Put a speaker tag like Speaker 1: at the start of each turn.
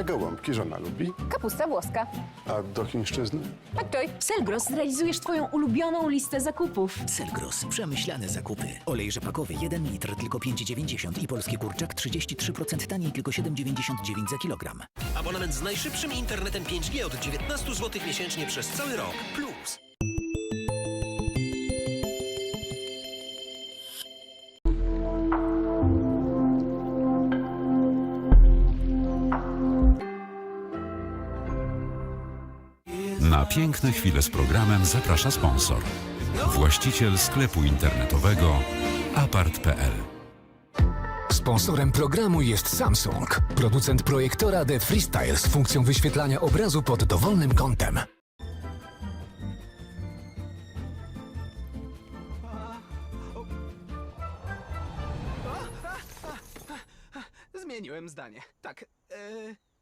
Speaker 1: gołąbki żona lubi,
Speaker 2: Kapusta włoska.
Speaker 1: a do chińszczyzny?
Speaker 2: McJoy.
Speaker 3: Selgros, zrealizujesz twoją ulubioną listę zakupów.
Speaker 4: Selgros. Przemyślane zakupy. Olej rzepakowy 1 litr tylko 5,90 i polski kurczak 33% taniej tylko 7,99 za kilogram.
Speaker 5: Abonament z najszybszym internetem 5G od 19 zł miesięcznie przez cały rok. Plus.
Speaker 6: Na piękne chwile z programem zaprasza sponsor. Właściciel sklepu internetowego apart.pl.
Speaker 7: Sponsorem programu jest Samsung, producent projektora The Freestyle z funkcją wyświetlania obrazu pod dowolnym kątem.
Speaker 8: Zmieniłem zdanie. Tak,